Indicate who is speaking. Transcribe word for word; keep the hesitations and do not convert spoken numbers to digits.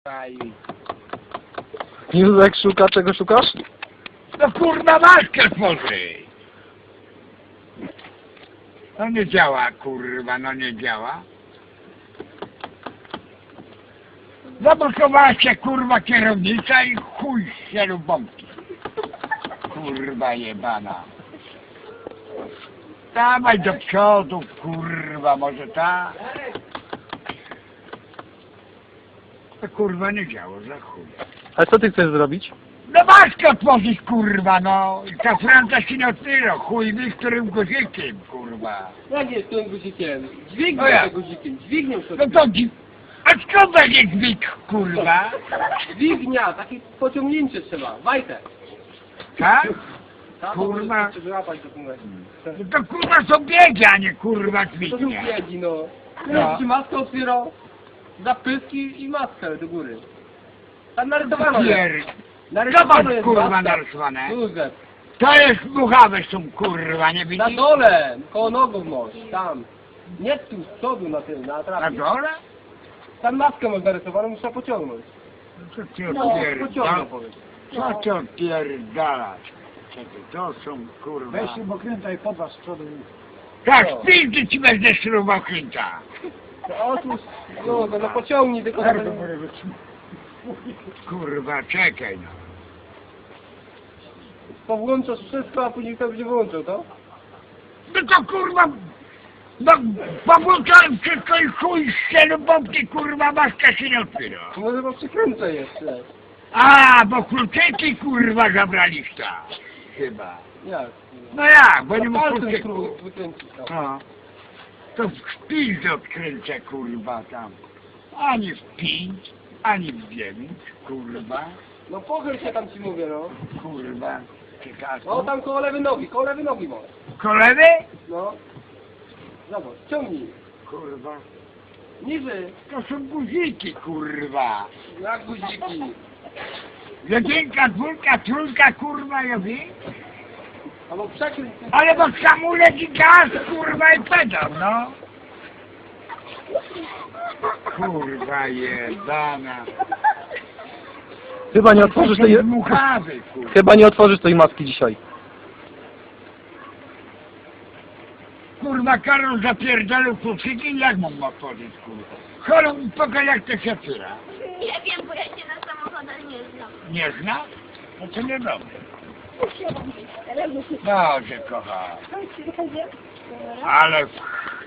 Speaker 1: Aj.
Speaker 2: Józek szuka, czego szukasz?
Speaker 1: No kurwa maskę tworzy. No nie działa kurwa, no nie działa. Zablokowała się kurwa kierownica i chuj się lub bombki. Kurwa jebana. Dawaj do przodu kurwa, może ta? To kurwa nie działa, za chuj.
Speaker 2: Ale co ty chcesz zrobić?
Speaker 1: No maskę otworzyć kurwa, no. I ta franca się nie otwiera, chuj wie którym guzikiem kurwa.
Speaker 3: Jak jest tym guzikiem? Dźwignią
Speaker 1: No ja.
Speaker 3: tym guzikiem, dźwignią
Speaker 1: No
Speaker 3: sobie.
Speaker 1: to dzi... A skąd będzie dźwig kurwa?
Speaker 3: Dźwignia, takie pociągnięcie trzeba, wajtę.
Speaker 1: Tak?
Speaker 3: Tak,
Speaker 1: Kurwa.
Speaker 3: Trzeba wyłapać do północy.
Speaker 1: No to kurwa są biegi, a nie kurwa
Speaker 3: To są
Speaker 1: dźwignia.
Speaker 3: biegi, no.
Speaker 1: No.
Speaker 3: No. Ci maskę otwierał, zapyski i maskę do góry. Tam narysowano
Speaker 1: Pier...
Speaker 3: jest.
Speaker 1: Co
Speaker 3: Narysowano
Speaker 1: masz
Speaker 3: jest
Speaker 1: kurwa
Speaker 3: maska.
Speaker 1: narysowane?
Speaker 3: Józef.
Speaker 1: To jest muchawe są kurwa, nie
Speaker 3: Na
Speaker 1: widzisz?
Speaker 3: dole, koło nogów masz, tam. Nie tu, z przodu na tym, na
Speaker 1: Na
Speaker 3: trafie.
Speaker 1: dole?
Speaker 3: Tam maskę masz narysowaną, muszę pociągnąć.
Speaker 1: Co ty
Speaker 3: No,
Speaker 1: odpierdalasz?
Speaker 3: pociągnął powiedz.
Speaker 1: Co ty odpierdalasz? Czekaj, to są kurwa...
Speaker 4: Weź śrubokręta i podważ z przodu.
Speaker 1: Tak,
Speaker 3: No.
Speaker 1: spildy ci będę śrubokręta.
Speaker 3: To otóż, no, no, no pociągnij tylko na ten...
Speaker 1: Kurwa, czekaj no.
Speaker 3: Powłączasz wszystko, a później to będzie wyłączył, to?
Speaker 1: No to kurwa... No, powłączałem wszystko i chuj z bombki kurwa, maska się nie otwiera.
Speaker 3: To może go przykręcę jeszcze.
Speaker 1: A, bo kluczyki kurwa zabraliście. Chyba.
Speaker 3: Jak?
Speaker 1: No jak, bo nie mógł
Speaker 3: Palcem
Speaker 1: kluczyku.
Speaker 3: spróbuj wykręcić tam.
Speaker 1: No. To w szpildę odkręcę kurwa tam. Ani w pięć, ani w dziewięć, kurwa.
Speaker 3: No pochyl się tam ci mówię, no.
Speaker 1: Kurwa. Ciekawe.
Speaker 3: No tam koło lewej nogi, koło lewej nogi masz.
Speaker 1: Kolewy?
Speaker 3: No. Zobacz, ciągnij.
Speaker 1: Kurwa.
Speaker 3: Niżej.
Speaker 1: To są guziki kurwa.
Speaker 3: Jak guziki.
Speaker 1: Jedynka, dwójka, trójka kurwa, ja wiem.
Speaker 3: Albo przekręć.
Speaker 1: Ale bo hamulec i gaz kurwa i pedał, no. Kurwa jebana.
Speaker 2: Chyba nie otworzysz tej...
Speaker 1: Dmuchawy kurwa.
Speaker 2: Chyba nie otworzysz tej maski dzisiaj.
Speaker 1: Kurwa Karol zapierdolił kluczyki, jak mam otworzyć kurwa? Chorą mi pokaż jak to się otwiera.
Speaker 5: Nie wiem, bo ja się na samochodach nie znam.
Speaker 1: Nie zna? No to nie dobrze.
Speaker 5: Usiadam.
Speaker 1: Boże kochany. Ale